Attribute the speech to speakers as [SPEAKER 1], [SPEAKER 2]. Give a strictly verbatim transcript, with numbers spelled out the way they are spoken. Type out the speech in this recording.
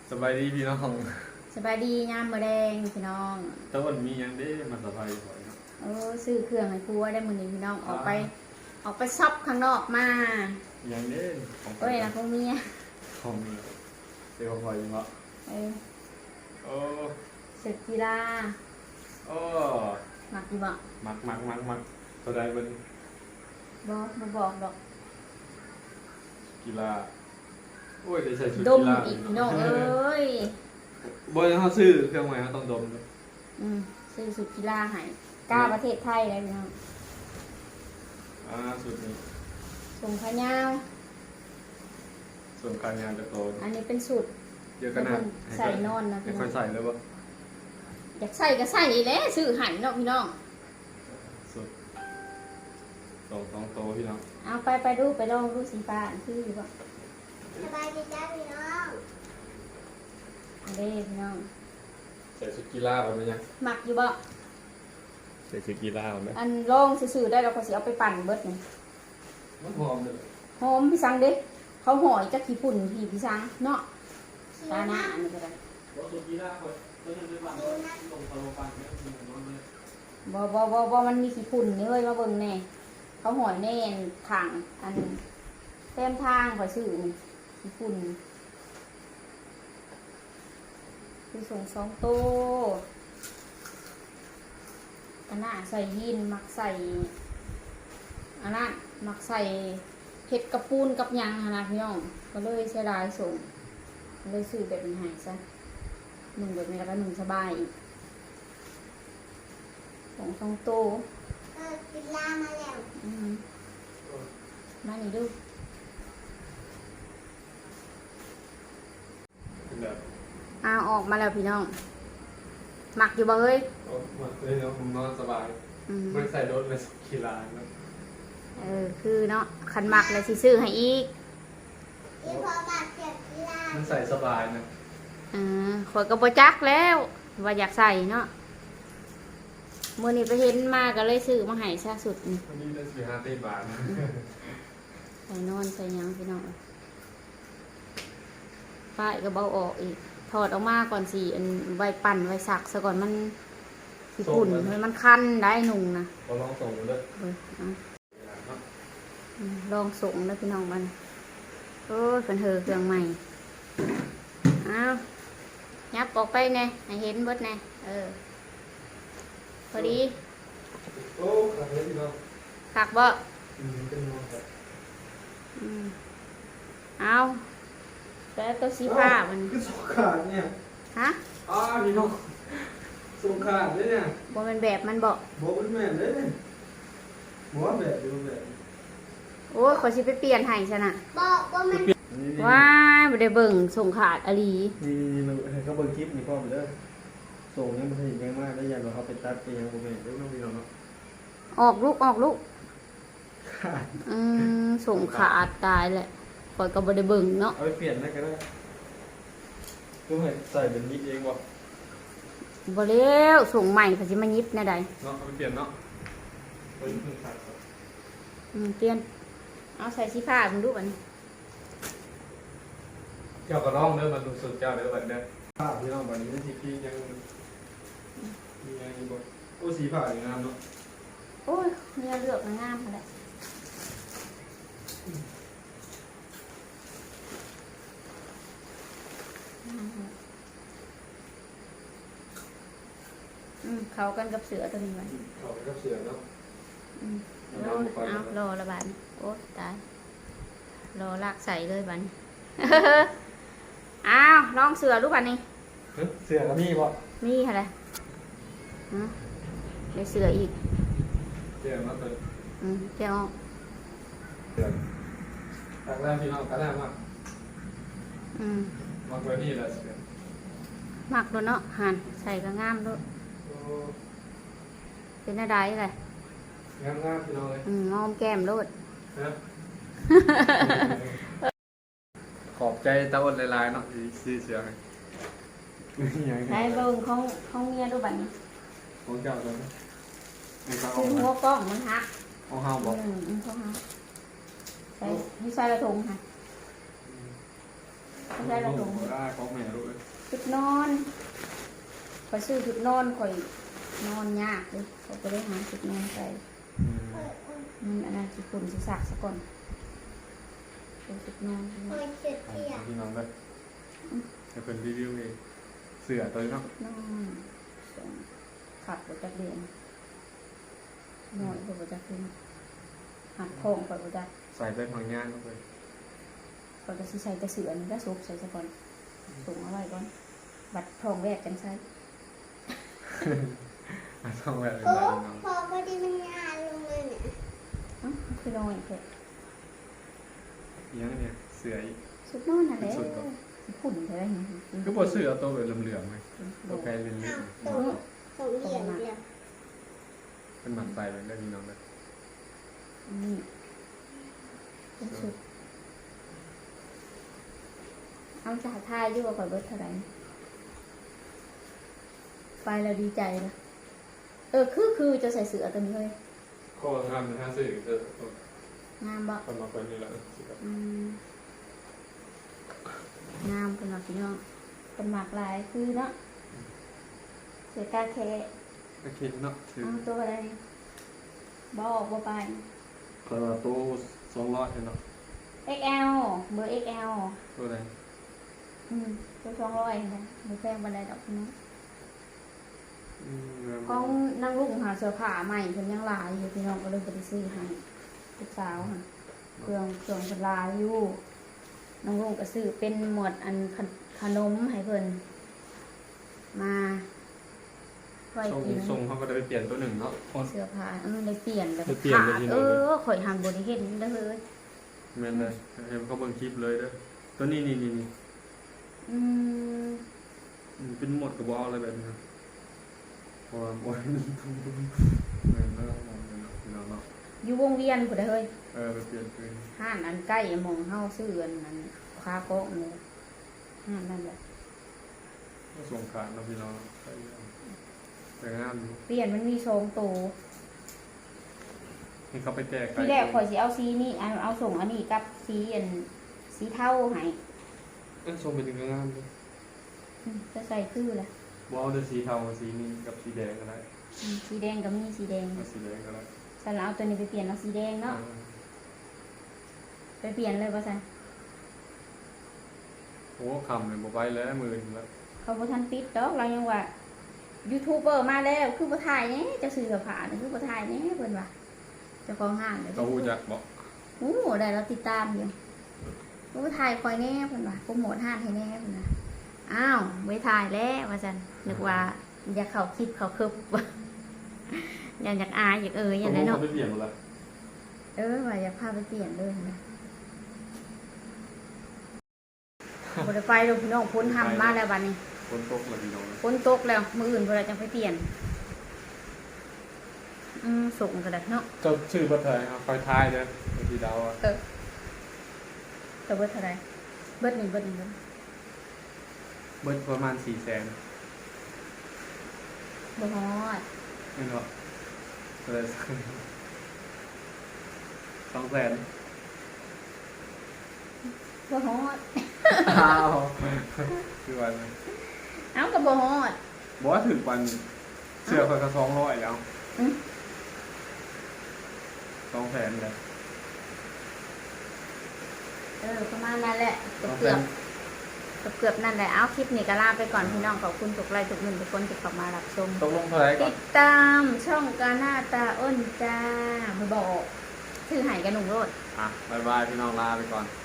[SPEAKER 1] สบายดีพี่น้อง
[SPEAKER 2] สบายดียามมื้อแดงพี่น้อง
[SPEAKER 1] ตะวันมียังได้มาสบายบ่อยเนาะ
[SPEAKER 2] เออซื้อเครื่องให้ครัวได้มื้อนี้พี่น้องออกไปออกไปช็อปข้างนอกมา
[SPEAKER 1] ยังได้
[SPEAKER 2] ของเอ้ยนะพวกเมีย
[SPEAKER 1] ของมีเดี๋ยวพอยังเนาะ
[SPEAKER 2] เออ
[SPEAKER 1] โอ้
[SPEAKER 2] ศึกกีฬา
[SPEAKER 1] โอ้
[SPEAKER 2] มักอยู่บ่
[SPEAKER 1] มักมักมักมักตัวใดเบิ่ง
[SPEAKER 2] บ่บ่บอกดอก
[SPEAKER 1] กีฬาโอ้ยได้ใส่ชุด
[SPEAKER 2] ดม
[SPEAKER 1] กีฬา
[SPEAKER 2] อีกพี่น้องเอ้ย
[SPEAKER 1] บ่ยังเฮาซื้อเครื่องใหม่เฮาต้องดม
[SPEAKER 2] อืมซื้อสุดกีฬาให้กล้าประเทศไทยได้พี่น้อง
[SPEAKER 1] อ่าสุดนี้
[SPEAKER 2] ส่งขายาว
[SPEAKER 1] ส่วนการงานจะโต
[SPEAKER 2] อันนี้เป็นสูตร
[SPEAKER 1] เยอะขนาด
[SPEAKER 2] ใส่นอนนะ
[SPEAKER 1] พี่น้องค่อยใส่เลยบ่
[SPEAKER 2] อยากใส่ก็ใส่นี่แหละซื้อให้เนาะพี่น้อง
[SPEAKER 1] สุดสองสองโตพี่น้อง
[SPEAKER 2] เอาไปไปดูไปลองดูสีฟ้าคืออยู่บ่
[SPEAKER 3] สบายดีจ้าพี่น้อง
[SPEAKER 2] อันนี้พี่น้อง
[SPEAKER 1] ใส่ชุดกีฬาเอาไหมยัง
[SPEAKER 2] หมักอยู่บ่
[SPEAKER 1] ใส่ชุดกีฬาเอาไหม
[SPEAKER 2] อันลองซื่อๆได้เราก็สิเอาไปปั่นเบิดนี่
[SPEAKER 1] มันหอมเลย
[SPEAKER 2] หอมพี่สังเด้เขาห่อยจักขี้ฝุ่นพี่พี่สังเนาะตาหน้าอันนี้ก็ได้บ่บ่บ่บ่มันมีขี้ฝุ่นนี่เว้ยมาเบิ่งแน่เขาห่อยแน่นถังอันเต็มทางข่อยซื้อนี่ขี้ฝุ่นคือส่งสองโตตาหน้าใส่ยีนมักใส่อันนั้นมักใส่เห็ดกระปูนกับยางนะพี่น้องก็เลยเสียดายส่งเลยซื้อแบบนี้ให้ซะหนึ่งแบบนี้แล้วก็หนึ่งสบายอีกสองสองโต
[SPEAKER 3] เออกินลามาแล้ว
[SPEAKER 2] อืมมานี่ดูอ้าวออกมาแล้วพี่น้องหมักอยู่บ่เฮ้ย
[SPEAKER 1] หมักเลยเนาะผมนอนสบายไม่ใส่รถเลยขี่ลาน
[SPEAKER 2] เออคือเนาะขันหมักเลยสิซื้อให้อีก
[SPEAKER 3] อีพอมาเก็บกีฬา
[SPEAKER 1] มันใส่สบายนะ
[SPEAKER 2] อ่าขวดกระโปจักแล้วว่าอยากใส่เนาะมื่อนี้ไปเห็นมาก็เลยซื้อมาให้ซะสุดนี่
[SPEAKER 1] วันนี้ได้สี่ห้าตีบาท
[SPEAKER 2] ใส่นอนใส่ยังพี่น้องป้ายก็เบาออกอีกถอดออกมาก่อนสิอันไว้ปั่นไว้สักซะก่อนมันสิฝุ่นมันคันได้หนุ่งนะ
[SPEAKER 1] ลองส่งเลย
[SPEAKER 2] ลองส่งแล้วพี่น้องมันโอ้ยเป็นเธอเครื่องใหม่อ้าวยับออกไปไงให้เห็นเบิดไงเออพอดี
[SPEAKER 1] โอ้ขักเลยพี่น้อง
[SPEAKER 2] ขักบ่
[SPEAKER 1] อืมเป็นนอนครับ
[SPEAKER 2] อืมเอาแล้วตัวสีผ้ามัน
[SPEAKER 1] คือสงขาดเนี่ย
[SPEAKER 2] ฮะ
[SPEAKER 1] อ้าพี่น้องสงขาดเลยเนี่ย
[SPEAKER 2] บ่เป็นแบบมันบ่
[SPEAKER 1] บ่เป็นแบบเลยบ่แบบอยู่แบบ
[SPEAKER 2] โอ้ยขอชิไปเปลี่ยนให้ซะน่ะ
[SPEAKER 3] บอกว่ามัน
[SPEAKER 2] ว้ายบ่ได้เบิ่งส่งขาดอลี
[SPEAKER 1] นี่มันเขาเบิ่งคลิปนี่พ่อมันเด้อส่งยังบ่ทันยังมากได้ยันว่าเขาไปตัดไปยังบ่แม่นเด้อน้องพี่น้องเนาะ
[SPEAKER 2] ออกลูกออกลูกขาดอืมส่งขาดตายแหละข่อยก็บ่ได้เบิ่งเนาะ
[SPEAKER 1] เอาไปเปลี่ยนได้ก็ได้คือให้ใส่เป็นยิบเองบ่
[SPEAKER 2] บ่แล้วส่งใหม่เขาสิมายิบแน่ใด
[SPEAKER 1] เนาะเอาไปเปลี่ยนเนาะไปเพิ่งขาด
[SPEAKER 2] อืมเปลี่ยนเอาใส่สีผ้ามึงดูบัดนี้
[SPEAKER 1] เจ้าก็ร้องเด้อมันรู้สึกเจ้าเด้อบัดเด้อผ้าพี่น้องบัดนี้สิพี่ยังมียังอยู่บ่โอ้สีผ้าอย่างงามเนาะ
[SPEAKER 2] โอ้ยเนื้อเลือกงามแหละอืมเขากันกับเสือตัวนี้ไว้
[SPEAKER 1] เขากันกับเสือเนาะ
[SPEAKER 2] อืมเอารอละบาทโอ้ตายรอลากใส่เลยบัดนี้อ้าวลองเสือรูปบัดนี้
[SPEAKER 1] เสือก็มีบ่
[SPEAKER 2] มีอะไรฮะได้เสืออีก
[SPEAKER 1] เสือมาเติม
[SPEAKER 2] อืมแก้ว
[SPEAKER 1] เสือตักแรกพี่น้องตักแรกมาก
[SPEAKER 2] อืม
[SPEAKER 1] มักไว้นี่แหละเสือ
[SPEAKER 2] มักด้วยเนาะหั่นใส่ก็งามด้วยเป็นอะไรเลย
[SPEAKER 1] งามงามพี่น้องเลย
[SPEAKER 2] อืมงอมแก้มรูด
[SPEAKER 1] ขอบใจตาอ้นลายๆเนาะซื้อเสือให้
[SPEAKER 2] ได้เบิ่งของของเมียดูบัดนี้
[SPEAKER 1] ของเจ้าตัวนี้
[SPEAKER 2] คือหัวกล้องมันหัก
[SPEAKER 1] ของเฮาบ่
[SPEAKER 2] อืมของเฮาใส่นี่ใส่กระทงค่ะไม่ใช่ละถุง
[SPEAKER 1] ได้ของแม่รู้เลย
[SPEAKER 2] ชุดนอนคอยซื้อชุดนอนคอยนอนยากเลยเขาก็ได้หาชุดนอนใส่มันอันนั้นคือฝุ่นสิสักซะก่อนเป็นชุดนอน
[SPEAKER 3] คอยเสียเที่ย
[SPEAKER 1] พี่น้องเลยจะเป็นรีวิวเองเสือตัวนี้เนาะ
[SPEAKER 2] นอนสองขับรถจักรเรียนนอนรถจักรเรียนหักทองไปรถจักร
[SPEAKER 1] ใส่ไปพังงานเข้าไป
[SPEAKER 2] ก่อนจะใส่จะเสือนี่ก็ซุกใส่ซะก่อนส่งเอาไว้ก่อนบัตรทองแรกกันใช่
[SPEAKER 1] ต้องแบบ
[SPEAKER 3] โอ้
[SPEAKER 1] นี้น้อง
[SPEAKER 3] พอพอดีมันงานลงเลยเนี่ย
[SPEAKER 2] อ๋อคือน้อยแค่
[SPEAKER 1] ยังเนี่ยเสืออีก
[SPEAKER 2] ชุดนอนอะไร
[SPEAKER 1] ชุดก่อน
[SPEAKER 2] ฝุ่นอะไรอย่างเงี้ย
[SPEAKER 1] ก็บอเสือตัวแบบเหลื่อมๆไหมตัวแพรเลื่อ
[SPEAKER 3] อ้าว
[SPEAKER 1] ม
[SPEAKER 3] ตรงตรงเหยียบเดียว
[SPEAKER 1] ๆเป็นหมันใส่ไปได้พี่น้องเลย
[SPEAKER 2] นี่เป็นชุดเอาจ่ายทายอยู่ว่าก่อนเบิร์ดเท่าไหร่ไปแล้วดีใจนะเออคือคือจะใส่เสื้อตัวนี้เลย
[SPEAKER 1] ข้อห้ามในห้าสื่อจะ
[SPEAKER 2] งามบ่
[SPEAKER 1] ทำมาเป็นนี่แหละ
[SPEAKER 2] อืมงามเป็นหลักพี่น้องเป็นหมากลายคือเนาะเสือกาแค่
[SPEAKER 1] ก็คิดเนาะถือ
[SPEAKER 2] เอาตัวอะไรบอกบ่ไป
[SPEAKER 1] คาราโต้สองร้อยเนาะ
[SPEAKER 2] เอ็กซ์ แอล เบอร์ เอ็กซ์ แอล
[SPEAKER 1] ตัวไหน
[SPEAKER 2] อืมตัวสองร้อยนะไม่แพงบันไดดอกพี่น้อง
[SPEAKER 1] อืม
[SPEAKER 2] กล้องนั่งลุกหาเสื้อผ้าใหม่เพิ่นยังหลายอยู่พี่น้องก็เลยไปซื้อให้ลูกสาวค่ะเครื่องเครื่องเพิ่นหลายอยู่น้องลุงก็ซื้อเป็นหมวดอันขนขนมให้เพิ่นมาไว้
[SPEAKER 1] ส่ง
[SPEAKER 2] กิน
[SPEAKER 1] ส่งเขาก็ได้ไปเปลี่ยนตัวหนึ่งเนาะ
[SPEAKER 2] เสื้อผ้าเออได้เปลี่ยนแบบ
[SPEAKER 1] ได้เปลี่ยน
[SPEAKER 2] ขา
[SPEAKER 1] เลย
[SPEAKER 2] ด
[SPEAKER 1] พี่น้
[SPEAKER 2] เอ
[SPEAKER 1] อง
[SPEAKER 2] อข่อยหันบ่ได้เห็นเด้อเฮ้ย
[SPEAKER 1] แม่นเลยเห็นเขาเบิ่งคลิปเลยเด้อตัวนี้นี่นี่นี่
[SPEAKER 2] อืม
[SPEAKER 1] อืมเป็นหมดกับบอลอะไรแบบนี้นะเพราะว่าโอ้ยนี่ทุ่มแม่นแล้วมองเลยเนาะพี่น้องเนาะ
[SPEAKER 2] อยู่วงเวียนพุ่นเด้อเฮ้ย
[SPEAKER 1] เออไปเปลี่ยนเป็น
[SPEAKER 2] ห้านอันใกล้หมองเฮาซื้ออันนั้นคาโก๊ะนี่ห้านนั่นแหละ
[SPEAKER 1] ส่งขาดเนาะพี่น้องใช่แล้วแต่งามอยู่
[SPEAKER 2] เปลี่ยนมันมีทรงตัว
[SPEAKER 1] ให้เขาไปแจก
[SPEAKER 2] ที่แรกข่อยสิเอาสีนี้เอาเอาส่งอันนี้กับสีอันสีเทาให้
[SPEAKER 1] เอ้ยส่งไปถึงก็งามเลย
[SPEAKER 2] อืมจะใส่คือแหละ
[SPEAKER 1] บอลจะสีเทาสีนี้กับสีแดงก็ได้
[SPEAKER 2] อืมสีแดงก็มีสีแดง
[SPEAKER 1] เอาสีแดงก็ได้
[SPEAKER 2] ฉันเอาตัวนี้ไปเปลี่ยนเอาสีแดงเนาะไปเปลี่ยนเลยว่าซั่น
[SPEAKER 1] โอ้คำเลยบอกไปแล้วหมื่นแล้ว
[SPEAKER 2] เขาบ่ทันปิดดอกเรายังว่ายูทูบเบอร์มาแล้วคือบ่ถ่ายแหน่จะซื้อกับผ้านี่คือบ่ถ่ายแหน่เพิ่นว่าเจ้าของห้างเด้
[SPEAKER 1] เขาหูจักบอก
[SPEAKER 2] โอ้ได้เราติดตามอยู่โอ้ถ่ายคอยแน่เพิ่นว่าโปรโมทห้างให้แน่เพิ่นว่าอ้าวไม่ถ่ายแล้วว่าซั่นนึกว่าอยากเข้าคลิปเข้าคึบ อยากอยากอายอยากเอ่ยอ
[SPEAKER 1] ต
[SPEAKER 2] ย่าก ง
[SPEAKER 1] ล
[SPEAKER 2] นั้น
[SPEAKER 1] ง
[SPEAKER 2] เนาะ
[SPEAKER 1] เขาไปเปลี่ยนหมดแล้ว
[SPEAKER 2] เออว่าอยากพาไปเปลี่ยนเลยนะบ่ได้ไปดอกพี่น้องพ้นทำมาแล้วบัดนี้
[SPEAKER 1] คนตกเลยพี่น้อง
[SPEAKER 2] ฝนตกแล้วมื้ออื่นเพิ่นจะไปเปลี่ยนอืมส่งก็ได้เนาะ
[SPEAKER 1] เจ้าชื่อบัตรไทยครับไฟท้ายเด้อพี่ดาวอ่ะ
[SPEAKER 2] เออแต่เบิดเท่าไหร่เบิดหนึ่งเบิดหนึ่งเบิด
[SPEAKER 1] เบิดประมาณสี่แสน
[SPEAKER 2] บ่ฮอด
[SPEAKER 1] ไม่เนาะเลยสองแสน
[SPEAKER 2] บ่ฮอด
[SPEAKER 1] อ้าวคือวัน
[SPEAKER 2] เอ้าก็บ่ฮอด
[SPEAKER 1] บอกว่าถึงวันเสื้อคนก็สองร้อยแล้ว
[SPEAKER 2] อืม
[SPEAKER 1] สองแสนเลย
[SPEAKER 2] เออประมาณนั้นแหละ
[SPEAKER 1] สอง
[SPEAKER 2] เกื
[SPEAKER 1] แส
[SPEAKER 2] อบ
[SPEAKER 1] น
[SPEAKER 2] เกือบเกือบนั่นแหละเอาคลิปนี้ก็ลาไปก่อนพี่น้องขอบคุณทุกไลค์ทุกหนึ่งทุกคนที่เข้ามารับชม
[SPEAKER 1] ตกลงเท่าไหร่ก่อ
[SPEAKER 2] ติ
[SPEAKER 1] น
[SPEAKER 2] ดตามช่องกาหน้าตาอ้นจ้ามาบอกชื่อไห่กันหนุ่มโรด
[SPEAKER 1] อ่ะบายบายพี่น้องลาไปก่อน